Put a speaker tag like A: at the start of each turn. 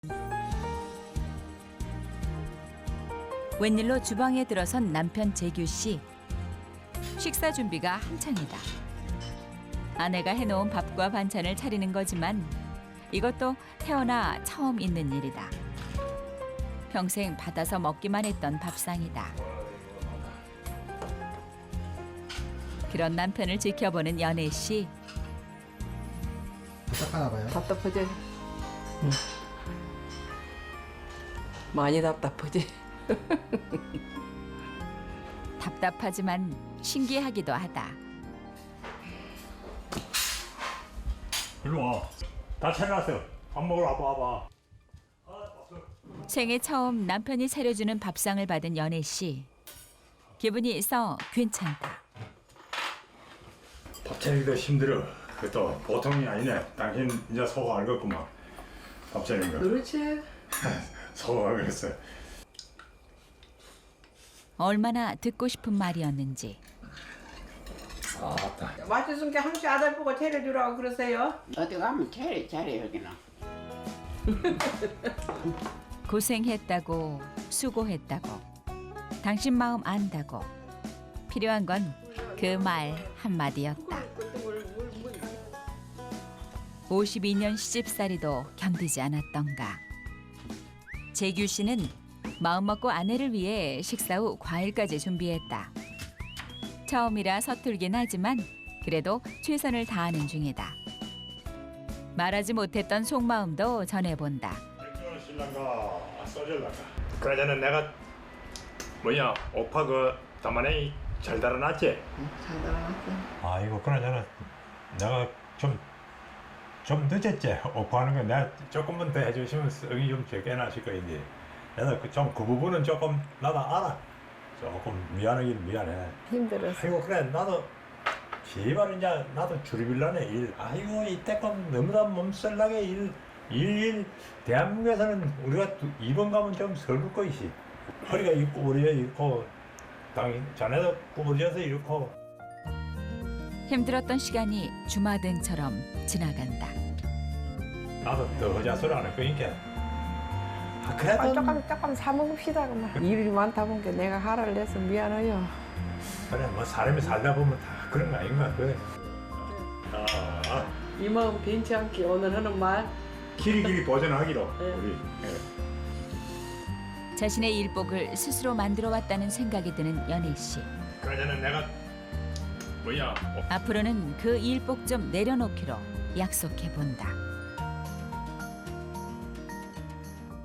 A: 웬일로 주방에 들어선 남편 재규 씨. 식사 준비가 한창이다. 아내가 해놓은 밥과 반찬을 차리는 거지만 이것도 태어나 처음 있는 일이다. 평생 받아서 먹기만 했던 밥상이다. 그런 남편을 지켜보는 연애 씨.
B: 부탁하나 봐요.
C: 답답하지? 응. 많이 답답하지?
A: 답답하지만 신기하기도 하다.
D: 일로 와. 다 차려놨어. 밥 먹으러 와봐.
A: 생애 처음 남편이 차려주는 밥상을 받은 연애 씨. 기분이 써 괜찮다.
D: 밥 차리기도 힘들어. 그것도 보통이 아니네. 당신 이제 속 알겠구만. 밥 차리는 거.
C: 그렇지.
D: 속 알겠어.
A: 얼마나 듣고 싶은 말이었는지.
D: 아따.
C: 맛있은 게 항시 아들 보고 차려주라고 그러세요?
E: 어디 가면 잘해 여기는.
A: 고생했다고 수고했다고 당신 마음 안다고 필요한 건 그 말 한마디였다. 52년 시집살이도 견디지 않았던가. 재규 씨는 마음먹고 아내를 위해 식사 후 과일까지 준비했다. 처음이라 서툴긴 하지만 그래도 최선을 다하는 중이다. 말하지 못했던 속마음도 전해본다.
D: 신랑가 써줄란가. 그러자는 내가 뭐냐 오빠 그 담안에 잘 달아놨지?
C: 잘 달아놨어.
D: 아이고 그러자는 내가 좀 늦었지. 오빠하는 거 내가 조금만 더 해주시면 성이 좀 적게 나실 거인데 내가 그 부분은 조금 나도 알아. 조금 미안하긴 미안해.
C: 힘들었어.
D: 아이고 그래 나도 제발 이제 나도 줄이빌라네 일. 아이고 이때껏 너무나 몸살나게 일 대한민국에서는 우리가 이번 가면 좀 설울 것이지. 허리가 이 구부러져 있고 당연 자네도 구부러져서 이렇고.
A: 힘들었던 시간이 주마등처럼 지나간다.
D: 나도 더 허자소리 안 할 거니까. 아, 그래도
C: 조금 사 먹읍시다 그만. 일이 많다 보니까 내가 하라를 내서 미안해요.
D: 그래 뭐 사람이 살다 보면 다 그런 거 아닌가 그래.
C: 이 마음 변치 않게 오늘 하는 말.
D: 길이 보존하기로
C: 네.
D: 우리.
A: 자신의 일복을 스스로 만들어 왔다는 생각이 드는 연희 씨.
D: 그러자는 내가 뭐야
A: 앞으로는 그 일복 좀 내려놓기로 약속해 본다.